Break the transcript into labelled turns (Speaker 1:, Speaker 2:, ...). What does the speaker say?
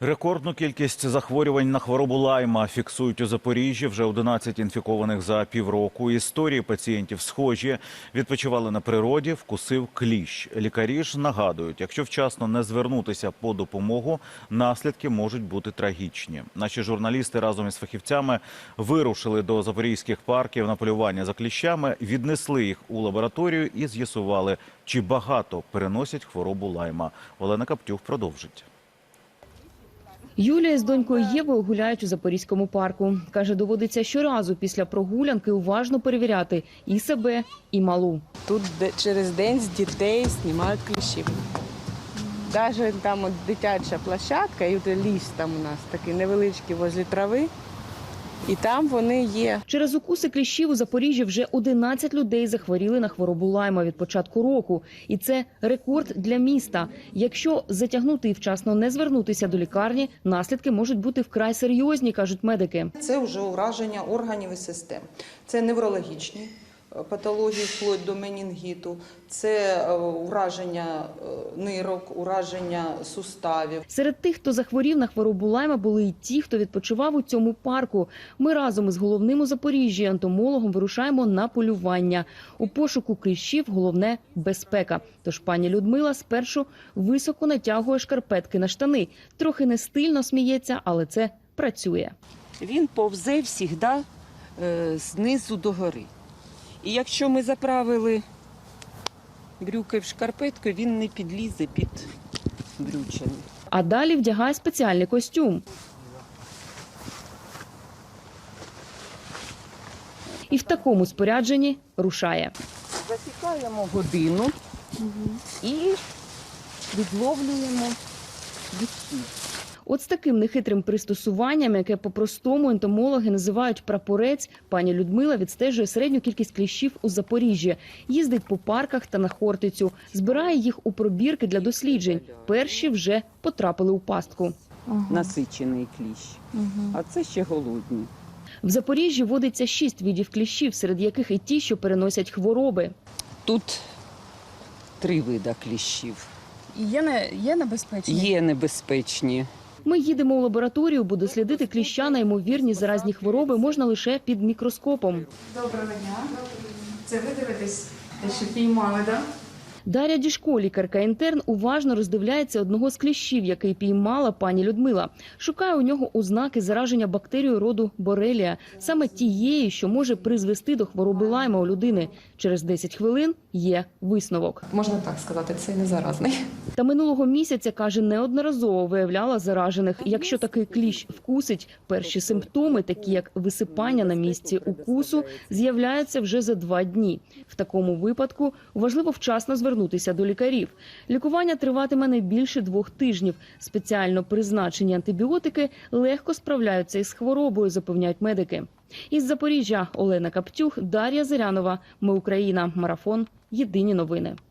Speaker 1: Рекордну кількість захворювань на хворобу Лайма фіксують у Запоріжжі. Вже 11 інфікованих за півроку. Історії пацієнтів схожі. Відпочивали на природі, вкусив кліщ. Лікарі ж нагадують, якщо вчасно не звернутися по допомогу, наслідки можуть бути трагічні. Наші журналісти разом із фахівцями вирушили до запорізьких парків на полювання за кліщами, віднесли їх у лабораторію і з'ясували, чи багато переносять хворобу Лайма. Олена Каптюх продовжить.
Speaker 2: Юлія з донькою Євою гуляють у Запорізькому парку. Каже, доводиться щоразу після прогулянки уважно перевіряти і себе, і малу.
Speaker 3: Тут через день з дітей знімають кліщів. Навіть там от дитяча площадка, і ліс там у нас такий невеличкий возле трави, і там вони є.
Speaker 2: Через укуси кліщів у Запоріжжі вже 11 людей захворіли на хворобу Лайма від початку року. І це рекорд для міста. Якщо затягнути і вчасно не звернутися до лікарні, наслідки можуть бути вкрай серйозні, кажуть медики.
Speaker 4: Це вже ураження органів і систем. Це неврологічні патології, вплоть до менінгіту, це ураження нирок, ураження суставів.
Speaker 2: Серед тих, хто захворів на хворобу Лайма, були і ті, хто відпочивав у цьому парку. Ми разом із головним у Запоріжжі ентомологом вирушаємо на полювання. У пошуку кліщів головне – безпека. Тож пані Людмила спершу високо натягує шкарпетки на штани. Трохи не стильно сміється, але це працює.
Speaker 3: Він повзе завжди знизу до гори. І якщо ми заправили брюки в шкарпетку, він не підлізе під брючини.
Speaker 2: А далі вдягає спеціальний костюм. І в такому спорядженні рушає.
Speaker 3: Засікаємо годину і відловлюємо відсів.
Speaker 2: От з таким нехитрим пристосуванням, яке по-простому ентомологи називають прапорець, пані Людмила відстежує середню кількість кліщів у Запоріжжі. Їздить по парках та на Хортицю. Збирає їх у пробірки для досліджень. Перші вже потрапили у пастку.
Speaker 3: Насичений кліщ, а це ще голодні.
Speaker 2: В Запоріжжі водиться 6 видів кліщів, серед яких і ті, що переносять хвороби.
Speaker 3: Тут 3 види кліщів.
Speaker 5: Є небезпечні?
Speaker 3: Є небезпечні.
Speaker 2: Ми їдемо у лабораторію, бо дослідити кліща на ймовірні заразні хвороби можна лише під мікроскопом.
Speaker 5: Доброго дня. Це ви дивитесь, що піймали, так?
Speaker 2: Дар'я Дішко, лікарка-інтерн, уважно роздивляється одного з кліщів, який піймала пані Людмила. Шукає у нього ознаки зараження бактерією роду борелія, саме тієї, що може призвести до хвороби Лайма у людини. Через 10 хвилин є висновок.
Speaker 6: Можна так сказати, це не заразний.
Speaker 2: Та минулого місяця, каже, неодноразово виявляла заражених. Якщо такий кліщ вкусить, перші симптоми, такі як висипання на місці укусу, з'являються вже за 2 дні. В такому випадку важливо вчасно звернутися до лікарів. Лікування триватиме не більше 2 тижнів. Спеціально призначені антибіотики легко справляються із хворобою, запевняють медики. Із Запоріжжя Олена Каптюх, Дар'я Зирянова. Ми Україна. Марафон. Єдині новини.